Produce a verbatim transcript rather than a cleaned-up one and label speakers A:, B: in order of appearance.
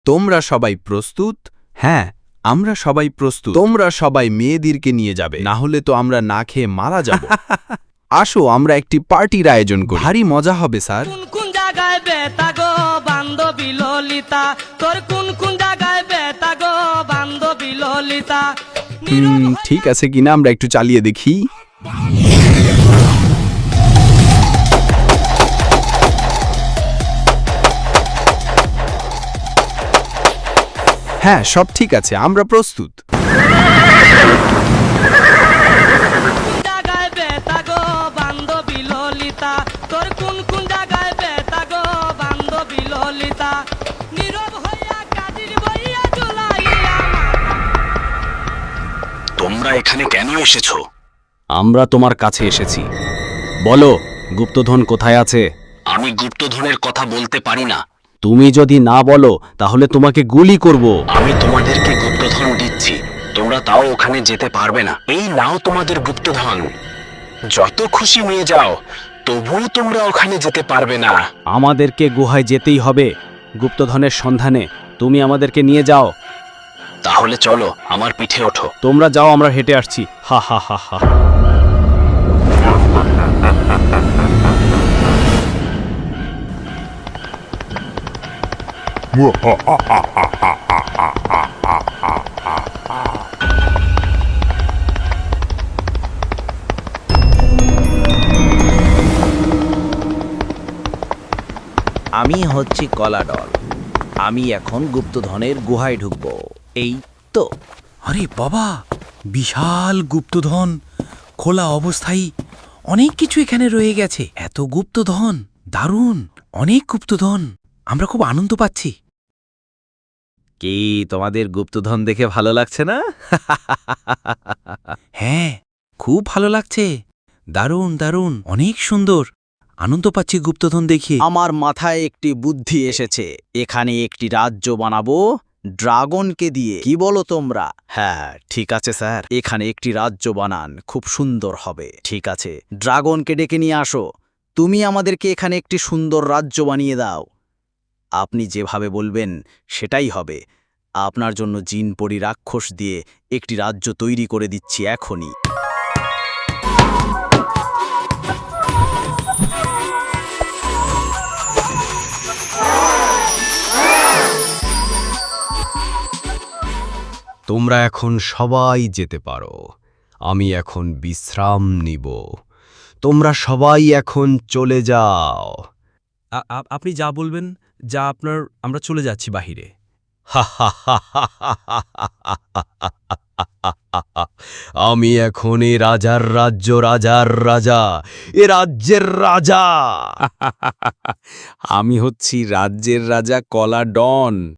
A: তোমরা সবাই প্রস্তুত? হ্যাঁ, আমরা সবাই প্রস্তুত। তোমরা সবাই মেয়েদেরকে নিয়ে যাবে, না হলে তো আমরা না খেয়ে মারা যাব। আসো আমরা একটি পার্টির আয়োজন করি, ভারী মজা হবে স্যার।
B: কোন কোন জায়গায় বেতা গো বান্ধবী ললিতা, তোর কোন কোন জায়গায় বেতা গো বান্ধবী ললিতা।
A: হুম, ঠিক আছে কিনা আমরা একটু চালিয়ে দেখি। হ্যাঁ, সব ঠিক আছে, আমরা প্রস্তুত।
B: কোন জায়গায় বেতা গো বান্ধবী ললিতা, তোর কোন কোন জায়গায় বেতা গো বান্ধবী ললিতা। নীরব হইয়া কাজীর বইয়া ঝুলাইয়া।
C: তোমরা এখানে কেন এসেছো? আমরা তোমার কাছে এসেছি। বলো, গুপ্তধন কোথায় আছে? আমি গুপ্তধনের কথা বলতে পারি না। তুমি যদি না বলো তাহলে তোমাকে গুলি করব। আমি তোমাদেরকে গুপ্তধন দিচ্ছি, তোমরা তাও ওখানে যেতে পারবে না। এই নাও তোমাদের গুপ্তধন, যত খুশি নিয়ে যাও, তবুও তোমরা ওখানে যেতে পারবে না। আমাদেরকে গুহায় যেতেই হবে গুপ্তধনের সন্ধানে। তুমি আমাদেরকে নিয়ে যাও। তাহলে চলো, আমার পিঠে ওঠো। তোমরা যাও, আমরা হেঁটে আসছি। হা হা হা হা।
D: আমি হচ্ছি কলাডল। আমি এখন গুপ্তধনের গুহায় ঢুকব। এই তো।
E: আরে বাবা, বিশাল গুপ্তধন, খোলা অবস্থায় অনেক কিছু এখানে রয়ে গেছে। এত গুপ্তধন, দারুণ, অনেক গুপ্তধন। আমরা খুব আনন্দ পাচ্ছি।
D: কি তোমাদের গুপ্তধন দেখে ভালো লাগছে না?
E: হ্যাঁ, খুব ভালো লাগছে। দারুণ দারুণ, অনেক সুন্দর। আনন্দ পাচ্ছি গুপ্তধন দেখে।
D: আমার মাথায় একটি বুদ্ধি এসেছে। এখানে একটি রাজ্য বানাবো ড্রাগনকে দিয়ে। কি বলো তোমরা? হ্যাঁ, ঠিক আছে স্যার, এখানে একটি রাজ্য বানান, খুব সুন্দর হবে। ঠিক আছে, ড্রাগনকে ডেকে নিয়ে আসো। তুমি আমাদেরকে এখানে একটি সুন্দর রাজ্য বানিয়ে দাও। আপনি যেভাবে বলবেন সেটাই হবে। আপনার জন্য জিন পরি রাক্ষস দিয়ে একটি রাজ্য তৈরি করে দিচ্ছি এখনই।
A: তোমরা এখন সবাই যেতে পারো, আমি এখন বিশ্রাম নিব। তোমরা সবাই এখন চলে যাও।
F: আপনি যা বলবেন, যা আপনার, আমরা চলে যাচ্ছি বাহিরে।
A: আমি এখন এ রাজার রাজ্য, রাজার রাজা, এ রাজ্যের রাজা।
F: আমি হচ্ছি রাজ্যের রাজা কলা ডন।